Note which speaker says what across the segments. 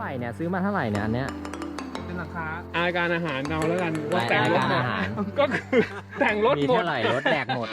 Speaker 1: ไหร่เนี่ยซื้อมาเท่าไหร่เนี่ยอันเนี้ย
Speaker 2: เป็นราคาอาการอาหารเราแล้วกันว่าแต่งรถ
Speaker 1: อาหาร
Speaker 2: ก็คือแต่งรถ
Speaker 1: มี
Speaker 2: หมด
Speaker 1: เท่าไหร่รถแดกหมด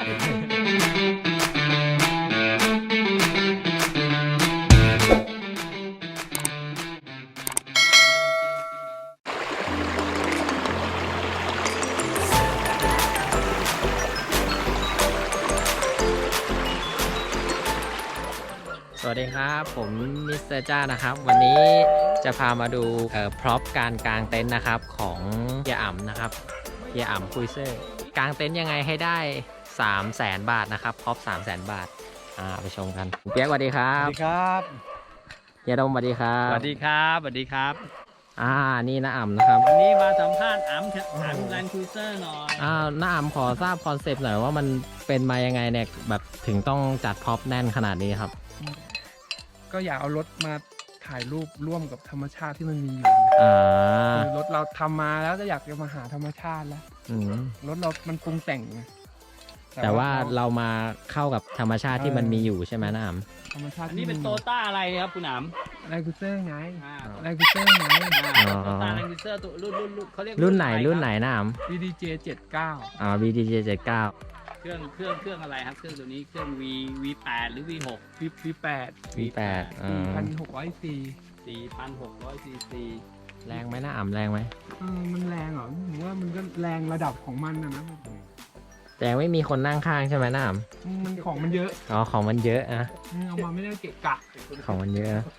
Speaker 1: สวัสดีครับผมมิสเตอร์จ้านะครับวันนี้จะพามาดูพร็อพการกางเต็นท์นะครับของเฮียอ่ำนะครับเฮียอ่ำคุยเซอร์กางเต็นท์ยังไงให้ได้ 300,000 บาทนะครับพร็อพ 300,000 บาทไปชมกันเปียกสวัสดีครับ
Speaker 3: สวัสดีครับ
Speaker 1: เฮียดมสวัสดีครับ
Speaker 3: สวัสดีครับสวัสดีครับ
Speaker 1: นี่น้าอ่ำนะครับ
Speaker 3: วันนี้มาสัมภาษณ์อัมแลนด์ครูเซอร์หน่อย
Speaker 1: น้าอ่ำขอทราบคอนเซปต์หน่อยว่ามันเป็นมายังไงเนี่ยแบบถึงต้องจัดพร็อพแน่นขนาดนี้ครับ
Speaker 2: ก็อยากเอารถมาถ่ายรูปร่วมกับธรรมชาติที่มันมีอยู่คือรถเราทำมาแล้วก็อยากจะมาหาธรรมชาติแล้วรถเรามันปรุงแต่งไง
Speaker 1: แต่ว่าเรามาเข้ากับธรรมชาติที่มันมีอยู่ใช่ไหมน้าอ่ำ
Speaker 2: ธรรมชาติ
Speaker 3: อันนี้เป็นโตต้าอะไรครับคุณอัม
Speaker 2: แรงคูเซอร์ไง
Speaker 3: โต
Speaker 2: แรงคูเซอร์ไง
Speaker 3: ต้าแลนด์ครูเซอร์ตัวรุ่นเขาเรียก
Speaker 1: รุ่นไหนน้าอ่ำ
Speaker 2: BDJ 79
Speaker 1: BDJ 79
Speaker 3: เครื่องอะไรครับเครื่องตัวนี้เครื่อง V8 หรือ V6
Speaker 2: V8
Speaker 1: V8
Speaker 2: 4,600
Speaker 3: 4,600 cc
Speaker 1: แรงไหมน้าอ่ำแรงไหม
Speaker 2: มันแรงเหรอผมว่ามันก็แรงระดับของมันนะ
Speaker 1: แต่ไม่มีคนนั่งข้างใช่ไหมน้าอ่ำ
Speaker 2: มันของมันเยอะ
Speaker 1: ของมันเยอะนะ
Speaker 2: เอามาไม่ได้เกะกะ
Speaker 1: ของมันเยอะนะ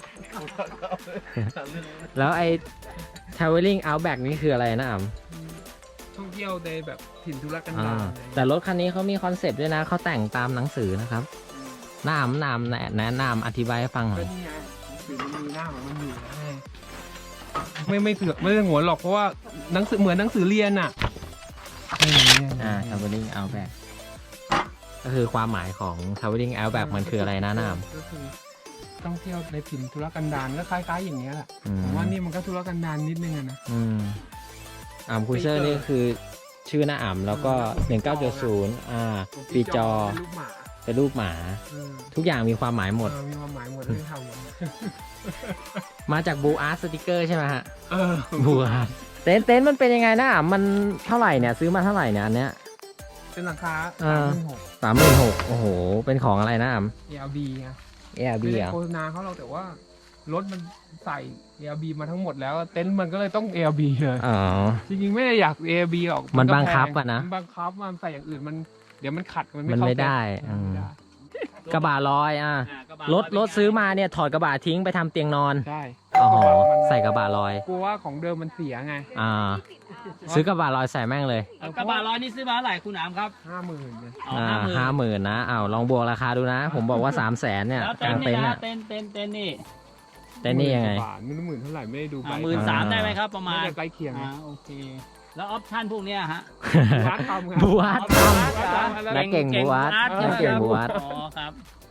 Speaker 1: แล้วไอ้ traveling outback นี่คืออะไรน้าอ่ำ
Speaker 2: ท่องเที่ยวในแบบถิ่นธุรกันดาร
Speaker 1: แต่รถคันนี้เขามีคอนเซปต์ด้วยนะเขาแต่งตามหนังสือนะครับน้ำแนะนำอธิบายให้ฟังหน่
Speaker 2: ก็
Speaker 1: อย
Speaker 2: นี่ไงสื่อมันมีหน้าของมันอยู่ไม่เสือกไม่ได้หัวหรอกเพราะว่าหนังสือเหมือนหนังสือเรียนอ่ะ
Speaker 1: traveling outback ก็คือความหมายของ traveling outback มันคืออะไรนะน้ำ
Speaker 2: ก็คือท่องเที่ยวในถิ่นธุรกันดารก็คล้ายๆอย่างเงี้ยแหละผมว่านี่มันก็ธุรกันดารนิดนึงนะ
Speaker 1: อ่ำคุยเซอร์นี่คือชื่อหน้าอ่ำแล้วก็1970ปีจอเป็นรูปหมาทุกอย่างมีความหมายหมด
Speaker 2: มีความหมายหมดที่ทำ
Speaker 1: มาจากบูอาร์ตสติกเกอร์ใช่ไหมฮะบูอาร์ตเต็นท์มันเป็นยังไงนะมันเท่าไหร่เนี่ยซื้อมาเท่าไหร่เนี่ยอันเนี้ย
Speaker 2: เป็นราคา
Speaker 1: 36,000โอ้โหเป็นของอะไรนะอ่ำ
Speaker 2: ARB ไง
Speaker 1: ARB
Speaker 2: ไม่ได้
Speaker 1: อ่ะ
Speaker 2: โฆษณาเขาเราแต่ว่ารถมันใส่ ARB มาทั้งหมดแล้วเต็นท์มันก็เลยต้อง ARB เลยจริงๆไม่ได้อยาก ARB หรอก
Speaker 1: มันบังคับอะนะ
Speaker 2: มันบังคับมันใส่อย่างอื่นมันเดี๋ยวมันขัดมัน
Speaker 1: ไม่ได้กระบะลอยรถซื้อมาเนี่ยถอดกระบะทิ้งไปทำเตียงนอน
Speaker 2: ใช่
Speaker 1: ใส่กระบะลอย
Speaker 2: กลัวว่าของเดิมมันเสียไง
Speaker 1: ซื้อกระบะลอยใส่แม่งเลย
Speaker 3: กระบะร้อยนี่ซื้อมาเท่าไหร่คุณอัมครับ
Speaker 2: 50,000เนี่ย
Speaker 1: 50,000นะลองบวกราคาดูนะผมบอกว่า300,000เนี่ยกลางเต็นท์เนี่ย
Speaker 3: เต็นท์นี่
Speaker 1: แต่นี่ยังไง
Speaker 2: ไม่รู้10,000เท่าไหร่ไม่ได้ดูไป
Speaker 3: 13,000ได้ไหมครับประมาณ
Speaker 2: ใกล้เคียง
Speaker 3: โอเคแล้วออปชั่นพวกนี้ฮะ
Speaker 1: บูวัดนักเก่งบูวัดนักเก่งบูวัด
Speaker 3: อ๋อครับ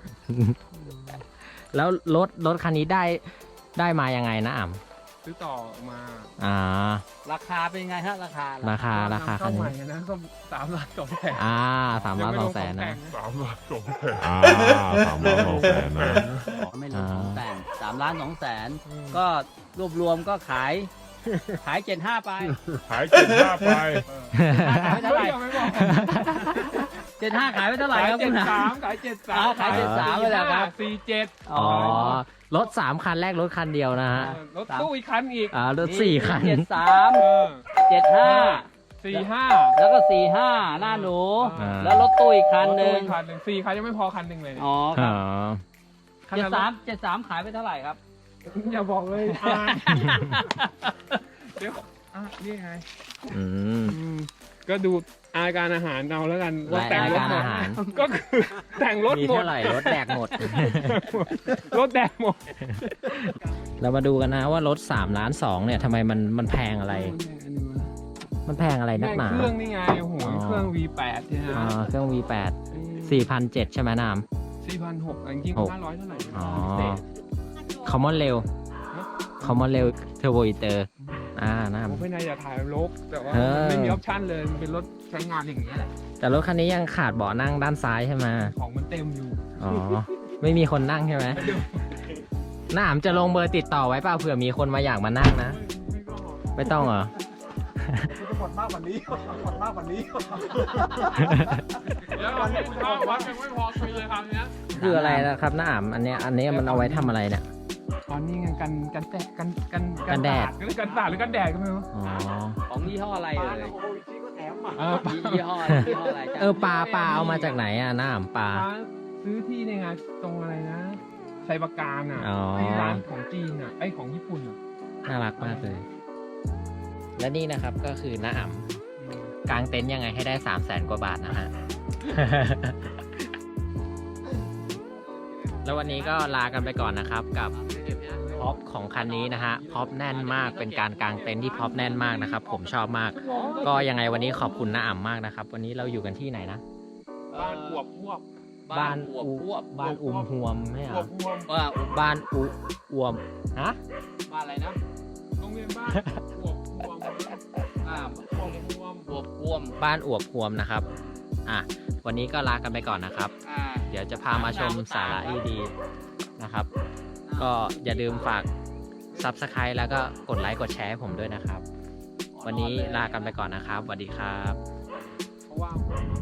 Speaker 1: แล้วรถคันนี้ได้มายังไงนะอ่ำ
Speaker 2: ซื้อต่อมา
Speaker 3: ราคาเป็นไงฮะราคา
Speaker 1: คันนี้
Speaker 2: นะก็3,200,000
Speaker 1: 3,200,000นะ
Speaker 3: 3,200,000นะไม่รวมของแต่ง3,200,000ก็รวมก็ขาย75ไป
Speaker 2: ขาย75ไป
Speaker 3: เท่าไหร่75ขายไปเท่าไหร่ครับคุณ
Speaker 2: ขาย73
Speaker 3: ขาย73ไปแล้วครับ
Speaker 1: รถ3คันแรกรถคันเดียวนะฮะ
Speaker 2: รถตู้อีกคันอีก
Speaker 1: รถ4คัน
Speaker 3: 73 75
Speaker 2: 45
Speaker 3: แล้วก็45หน้าหนูแล้วรถตู้อีกคันนึง
Speaker 2: 4คันยังไม่พอคันนึงเลย
Speaker 3: 73ขายไปเท่าไหร่ครับ
Speaker 2: อย่าบอกเลยเดี๋ยวนี่ไงก็ดูอาการอาหารเราแล้วกันว่าแต่งรถ
Speaker 1: อาหาร
Speaker 2: ก็คือแต่งรถหมด
Speaker 1: มีเท่าไหร่รถแดกหมด
Speaker 2: รถแดกหมด
Speaker 1: เรามาดูกันนะว่ารถ3,200,000เนี่ยทำไมมันแพงอะไรมันแพงอะไรนักหนา
Speaker 2: เครื่องนี่ไงหัวเครื่อง V8 ใช่ไหม
Speaker 1: เครื่อง V8 4,700ใช่ไหมน้
Speaker 2: ำ4,600จริงๆ500เท่าไหร่
Speaker 1: Common Rail Common Rail Turbo Eater นะ
Speaker 2: ผมไม่นายอยากถ่ายรถแต่ว่าไม่มีออปชั่นเลยเป็นรถใช้งานอย่างนี้แหละ
Speaker 1: แต่รถคันนี้ยังขาดเบาะนั่งด้านซ้ายใช่ไหม
Speaker 2: ของมันเต็มอยู่
Speaker 1: ไม่มีคนนั่งใช่ไหมน้าอ๋ำจะลงเบอร์ติดต่อไว้เปล่าเผื่อมีคนมาอยากมานั่งนะ ไม่ต้องเหรอ
Speaker 2: จะหมดมากกว่านี้หมดมากกว่านี้
Speaker 4: เดี๋ยววันนี้ข้าววัดยังไม่พอคุยเลยคำนี้
Speaker 1: คืออะไรนะครับน้าอ๋ำอันเนี้ยมันเอาไว้ทำอะไรเนี่ย
Speaker 2: ตอนนี้ไงกันแดดกันแดดหรือกันสาดหรือกันแดดก็ไม่รู้
Speaker 1: อ๋อ
Speaker 3: ของยี่ห้ออะไรเอ่ย
Speaker 2: เออ
Speaker 3: ยี่ห้ออะไรยี่ห้ออะไรจ๊ะ
Speaker 1: ปลาเอามาจากไหนอ่ะน้าอ๋ำปลา
Speaker 2: ซื้อที่ในงานตรงอะไรนะไซบาการอ่ะ
Speaker 1: อ๋อ
Speaker 2: ที่ร้านของจีนอ่ะไอของญี่ปุ่นอ่ะ
Speaker 1: น่ารักมากเลย และนี่นะครับก็คือน้าอ๋ำกางเต็นท์ยังไงให้ได้ 300,000 กว่าบาทนะฮะ แล้ววันนี้ก็ลากันไปก่อนนะครับกับพ็อปของคันนี้นะฮะพ็อปแน่นมากเป็นการกางเต็นท์ที่พ็อปแน่นมากนะครับผมชอบมาก ก็ยังไงวันนี้ขอบคุณน้าอ๋ำมากนะครับ วันนี้เราอยู่กันที่ไหนนะ
Speaker 4: บ้านขวบพวบ
Speaker 3: บ้านอวบพวบ
Speaker 1: บ้านอุ้มหวมไม่เหร
Speaker 4: ขว
Speaker 1: อบ
Speaker 4: พวบ
Speaker 3: ว่า
Speaker 1: บ้านอุอวมฮะ
Speaker 3: บ้านอะไรนะ
Speaker 4: โรงเรียนบ้านขวบพวบ
Speaker 3: อ่า
Speaker 4: ขวบพวบ
Speaker 3: อวบพวม
Speaker 1: บ้านอวบหวมนะครับวันนี้ก็ลากันไปก่อนนะครับ
Speaker 3: อ่า
Speaker 1: เดี๋ยวจะพามาชมสาระดีๆนะครับ ก็อย่าลืมฝาก Subscribe แล้วก็กดไลค์กดแชร์ให้ผมด้วยนะครับ วันนี้ลากันไปก่อนนะครับสวัสดีครับ
Speaker 4: เพราะว่า